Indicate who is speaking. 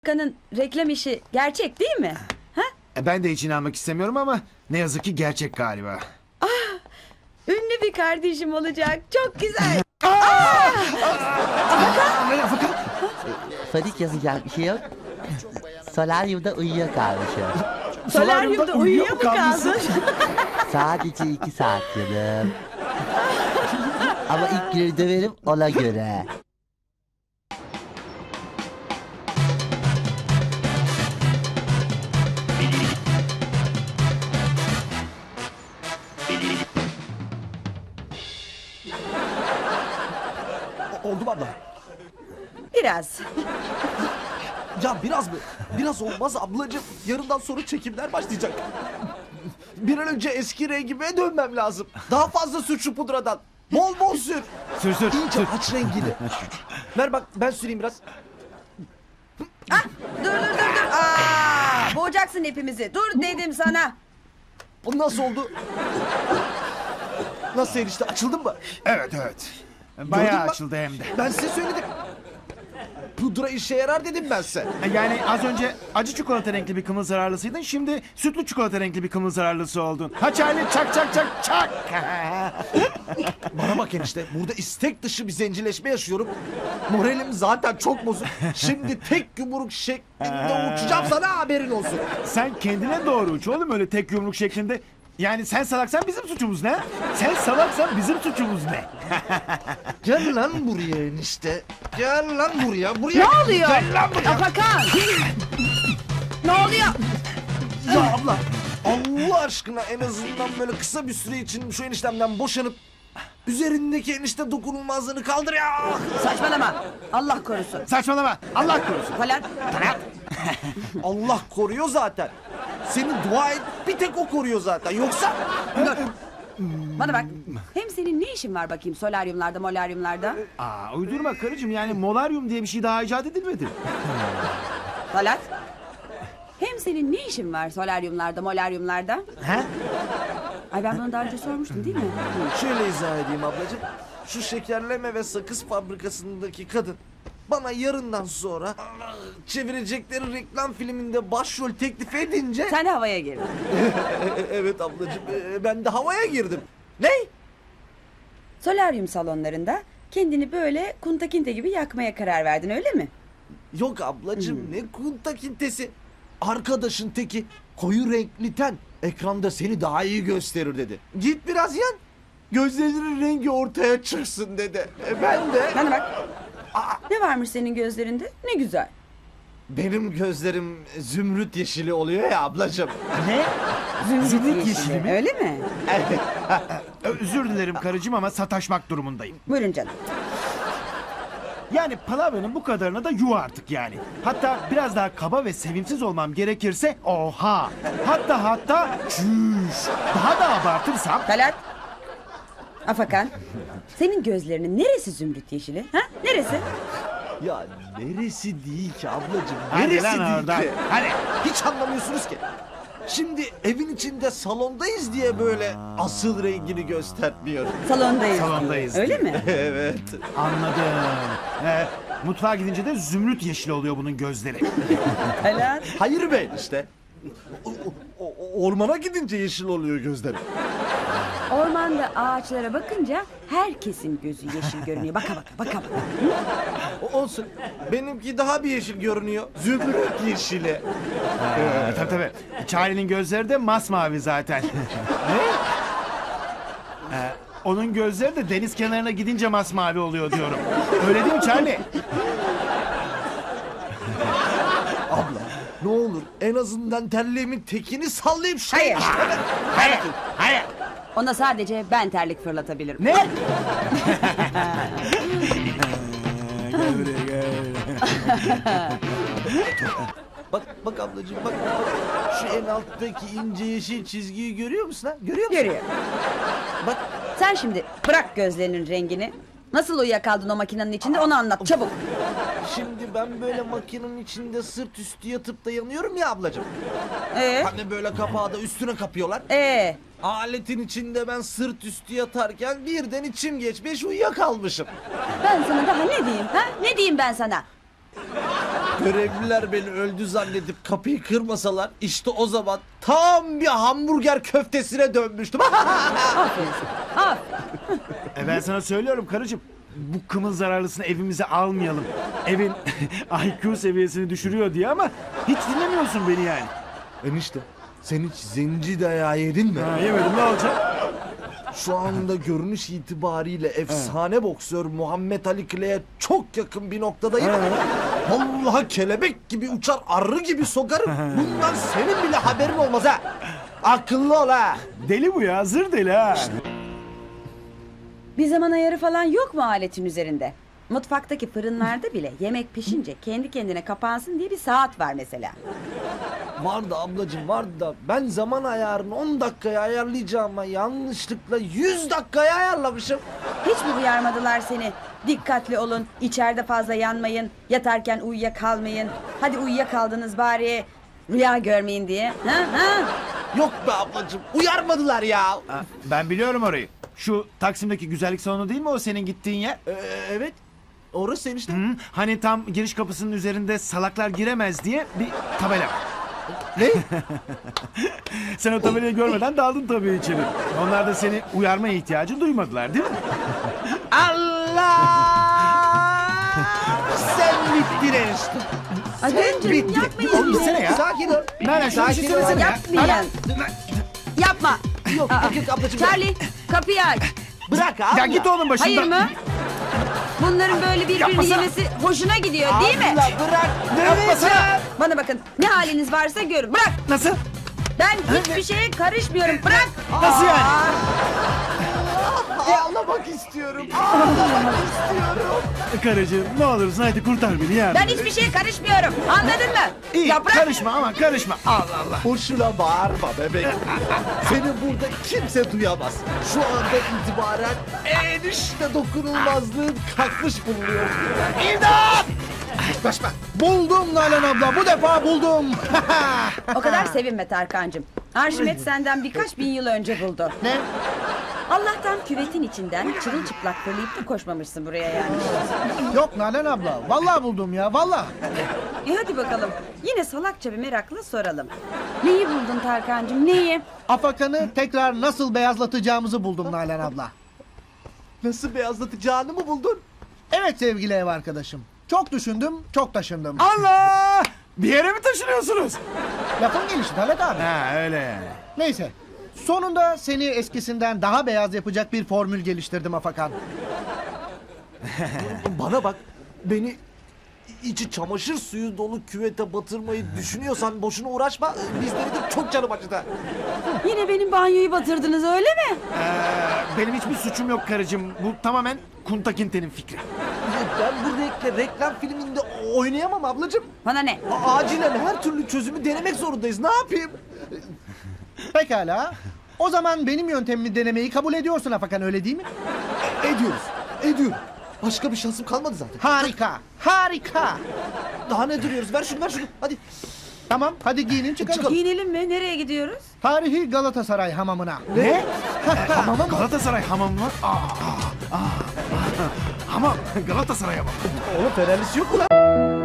Speaker 1: Kanın reklam işi gerçek değil mi? Ha?
Speaker 2: Ben de hiç inanmak istemiyorum ama ne yazık ki gerçek galiba.
Speaker 1: Ünlü bir kardeşim olacak. Çok güzel.
Speaker 3: Fadik yazacak bir şey yok. Solaryumda uyuyakalmışım.
Speaker 1: Solaryumda uyuyor mu kaldın?
Speaker 3: Sadece 2 saat canım. Ama ilk günü döverim ona göre.
Speaker 4: Oldu mu abla?
Speaker 1: Biraz.
Speaker 4: Ya biraz mı? Biraz olmaz ablacığım. Yarından sonra çekimler başlayacak. Bir an önce eski rengime dönmem lazım. Daha fazla sür şu pudradan. Bol bol sür.
Speaker 2: Sür sür.
Speaker 4: İyice aç rengini. Ver bak ben süreyim biraz.
Speaker 1: Dur. Boğacaksın hepimizi. Dur dedim sana.
Speaker 4: Bu nasıl oldu? Nasıl enişte açıldın mı?
Speaker 2: Evet.
Speaker 4: Gördün
Speaker 2: Bayağı
Speaker 4: mü?
Speaker 2: açıldı hem de.
Speaker 4: Ben size söyledim. Pudra işe yarar dedim ben size.
Speaker 2: Yani az önce acı çikolata renkli bir kımıl zararlısıydın. Şimdi sütlü çikolata renkli bir kımıl zararlısı oldun. Ha Charlie çak.
Speaker 4: Bana bak enişte, burada istek dışı bir zencileşme yaşıyorum. Moralim zaten çok bozuk. Şimdi tek yumruk şeklinde uçacağım sana, haberin olsun.
Speaker 2: Sen kendine doğru uç oğlum öyle tek yumruk şeklinde. Yani sen salaksan bizim suçumuz ne? Sen salaksan bizim suçumuz ne?
Speaker 4: Gel lan buraya enişte. Gel lan buraya.
Speaker 1: Ne oluyor? Afakan. Ne oluyor?
Speaker 4: Ya abla, Allah aşkına en azından böyle kısa bir süre için şu eniştemden boşanıp üzerindeki enişte dokunulmazlığını kaldır ya.
Speaker 1: Saçmalama. Allah korusun.
Speaker 2: Saçmalama. Allah korusun.
Speaker 1: Falan.
Speaker 4: Allah koruyor zaten. Seni dua et, bir tek o koruyor zaten. Yoksa
Speaker 1: Dur. Bana bak. Hem senin ne işin var bakayım solaryumlarda, molaryumlarda?
Speaker 2: Uydurma karıcığım yani molaryum diye bir şey daha icat edilmedi.
Speaker 1: Talat. Hem senin ne işin var solaryumlarda, molaryumlarda?
Speaker 2: He?
Speaker 1: Ay ben bunu daha önce sormuştum değil mi?
Speaker 4: şöyle izah edeyim ablacığım. Şu şekerleme ve sakız fabrikasındaki kadın bana yarından sonra çevirecekleri reklam filminde başrol teklif edince...
Speaker 1: Sen de havaya girdin.
Speaker 4: Evet ablacığım, ben de havaya girdim. Ne?
Speaker 1: Solaryum salonlarında kendini böyle kuntakinte gibi yakmaya karar verdin öyle mi?
Speaker 4: Yok ablacığım, ne kunta kintesi. Arkadaşın teki koyu renkli ten ekranda seni daha iyi gösterir dedi. Git biraz yan. Gözlerinin rengi ortaya çıksın dedi. Ben de...
Speaker 1: Bana bak. Ne varmış senin gözlerinde? Ne güzel.
Speaker 4: Benim gözlerim zümrüt yeşili oluyor ya ablacığım.
Speaker 2: Ne?
Speaker 1: Zümrüt
Speaker 2: yeşili mi?
Speaker 1: Öyle mi?
Speaker 2: Özür dilerim karıcığım ama sataşmak durumundayım.
Speaker 1: Buyurun canım.
Speaker 2: Yani palavranın bu kadarına da yuh artık yani. Hatta biraz daha kaba ve sevimsiz olmam gerekirse oha. Hatta çüş. Daha da abartırsam
Speaker 1: Talat. Afakan. Senin gözlerinin neresi zümrüt yeşili? Ha? Neresi?
Speaker 4: Ya neresi değil ki ablacığım?
Speaker 2: Hadi
Speaker 4: Neresi
Speaker 2: lan
Speaker 4: değil
Speaker 2: oradan,
Speaker 4: ki?
Speaker 2: hadi.
Speaker 4: Hiç anlamıyorsunuz ki. Şimdi evin içinde salondayız diye böyle asıl rengini göstermiyor.
Speaker 1: Salondayız.
Speaker 2: Salondayız
Speaker 1: Öyle mi?
Speaker 4: Evet.
Speaker 2: anladım. Mutfağa gidince de zümrüt yeşili oluyor bunun gözleri.
Speaker 1: Talat.
Speaker 4: Hayır be işte. Ormana gidince yeşil oluyor gözlerim.
Speaker 1: Ormanda ağaçlara bakınca herkesin gözü yeşil görünüyor. Baka baka.
Speaker 4: Olsun. Benimki daha bir yeşil görünüyor. Zümrüt yeşili.
Speaker 2: Tabii. Charlie'nin gözleri de masmavi zaten. Ne? Onun gözleri de deniz kenarına gidince masmavi oluyor diyorum. Öyle değil mi Charlie?
Speaker 4: Abla ne olur en azından terliğimin tekini sallayıp
Speaker 1: Hayır.
Speaker 2: Hayır.
Speaker 1: Ona sadece ben terlik fırlatabilirim.
Speaker 2: Ne?
Speaker 4: Bak ablacığım bak. Şu en alttaki ince yeşil çizgiyi görüyor musun ha? Görüyor musun?
Speaker 1: Görüyor.
Speaker 4: Bak
Speaker 1: Sen şimdi bırak gözlerinin rengini. Nasıl uyuyakaldın o makinenin içinde onu anlat çabuk.
Speaker 4: şimdi ben böyle makinenin içinde sırt üstü yatıp da yanıyorum ya ablacığım.
Speaker 1: Ee?
Speaker 4: Hani böyle kapağı da üstüne kapıyorlar. Aletin içinde ben sırt üstü yatarken birden içim geçmiş uyuyakalmışım.
Speaker 1: Ben sana daha ne diyeyim ha? Ne diyeyim ben sana?
Speaker 4: Görevliler beni öldü zannedip kapıyı kırmasalar işte o zaman tam bir hamburger köftesine dönmüştüm.
Speaker 1: Aferin. Aferin.
Speaker 2: Ben sana söylüyorum karıcığım. Bu kımıl zararlısını evimize almayalım. Evin IQ seviyesini düşürüyor diye ama hiç dinlemiyorsun beni yani.
Speaker 4: Enişte sen hiç zenci dayağı yedin mi?
Speaker 2: Ha, yemedim ne olacak?
Speaker 4: Şu anda görünüş itibariyle efsane boksör Muhammed Ali Kle'ye çok yakın bir noktadayım. Vallahi kelebek gibi uçar, arı gibi sokarım. Bundan senin bile haberin olmaz ha. Akıllı ol ha.
Speaker 2: Deli bu ya, zır deli ha.
Speaker 1: Bir zaman ayarı falan yok mu aletin üzerinde? Mutfaktaki fırınlarda bile yemek pişince kendi kendine kapansın diye bir saat var mesela.
Speaker 4: Vardı ablacığım vardı da ben zaman ayarını 10 dakikaya ayarlayacağıma yanlışlıkla 100 dakikaya ayarlamışım.
Speaker 1: Hiç mi uyarmadılar seni? Dikkatli olun, içeride fazla yanmayın, yatarken uyuyakalmayın. Hadi uyuyakaldınız bari, rüya görmeyin diye. Ha?
Speaker 4: Yok be ablacığım uyarmadılar ya.
Speaker 2: Ha, ben biliyorum orayı. Şu Taksim'deki güzellik salonu değil mi o senin gittiğin yer?
Speaker 4: Evet orası enişte.
Speaker 2: Hı, hani tam giriş kapısının üzerinde salaklar giremez diye bir tabela var.
Speaker 4: Ne?
Speaker 2: Sen o tabelayı görmeden daldın tabii içeri. Onlar da seni uyarma ihtiyacı duymadılar değil mi?
Speaker 4: Allah! Sen bittin enişte.
Speaker 1: Ay canım yapmayın.
Speaker 2: Oğlum gitsene ya.
Speaker 4: Sakin ol.
Speaker 2: Nalan şunu bir şey söylesene ya.
Speaker 1: Yapmayın. Yapma.
Speaker 4: Yok yok ablacığım.
Speaker 1: Charlie, kapıyı aç.
Speaker 4: Bırak abla.
Speaker 2: Ya git oğlum başımdan.
Speaker 1: Hayır mı? Bunların böyle birbirini
Speaker 2: Yapmasana.
Speaker 1: yemesi hoşuna gidiyor değil mi?
Speaker 4: Abla bırak.
Speaker 2: Yapmasana.
Speaker 1: Bana bakın, ne haliniz varsa görün. Bırak.
Speaker 2: Nasıl?
Speaker 1: Ben hiçbir şeye karışmıyorum. Bırak.
Speaker 2: Nasıl yani?
Speaker 4: Ağlamak istiyorum. Ağlamak istiyorum.
Speaker 2: Karıcığım ne olursun hadi kurtar beni ya.
Speaker 1: Ben hiçbir şeye karışmıyorum. Anladın mı?
Speaker 2: İyi
Speaker 1: Ya bırak.
Speaker 2: karışma ama karışma. Allah Allah.
Speaker 4: Boşuna bağırma bebek. Seni burada kimse duyamaz. Şu anda itibaren enişte dokunulmazlığın kalkmış bulunuyor. İmdat! Yaklaşma.
Speaker 5: Buldum Nalan abla, bu defa buldum.
Speaker 1: O kadar sevinme Tarkancığım. Arşimet senden birkaç bin yıl önce buldu.
Speaker 5: Ne?
Speaker 1: Allah'tan küvetin içinden çırılçıplak fırlayıp da koşmamışsın buraya yani.
Speaker 5: Yok Nalan abla, vallahi buldum ya, vallahi.
Speaker 1: Hadi bakalım. Yine salakça bir merakla soralım. Neyi buldun Tarkancığım, neyi?
Speaker 5: Afakan'ı tekrar nasıl beyazlatacağımızı buldum Nalan abla.
Speaker 4: Nasıl beyazlatacağını mı buldun?
Speaker 5: Evet sevgili ev arkadaşım. Çok düşündüm, çok taşındım.
Speaker 2: Allah! Bir yere mi taşınıyorsunuz?
Speaker 5: Lafın gelişi Talat abi.
Speaker 2: Ha öyle yani.
Speaker 5: Neyse. Sonunda seni eskisinden daha beyaz yapacak bir formül geliştirdim Afakan.
Speaker 4: Bana bak. Beni içi çamaşır suyu dolu küvete batırmayı düşünüyorsan boşuna uğraşma. Bizleri de çok canım acıdı.
Speaker 1: Yine benim banyoyu batırdınız öyle mi?
Speaker 2: Benim hiçbir suçum yok karıcığım. Bu tamamen Kuntakinte'nin fikri.
Speaker 4: Ben bu reklam filminde oynayamam ablacığım.
Speaker 1: Bana ne?
Speaker 4: Acilen her türlü çözümü denemek zorundayız. Ne yapayım?
Speaker 5: Pekala. O zaman benim yöntemimi denemeyi kabul ediyorsun Afakan, öyle değil mi?
Speaker 4: Ediyorum. Başka bir şansım kalmadı zaten.
Speaker 5: Harika, harika.
Speaker 4: Daha ne duruyoruz? Ver şunu. Hadi.
Speaker 5: Tamam, hadi giyinin çıkalım.
Speaker 1: Giyinelim mi? Nereye gidiyoruz?
Speaker 5: Tarihi Galatasaray hamamına.
Speaker 2: Ne? Hamam Galatasaray hamam mı? Hamam Galatasaray hamam.
Speaker 4: Oğlum fenerlisi yok mu lan?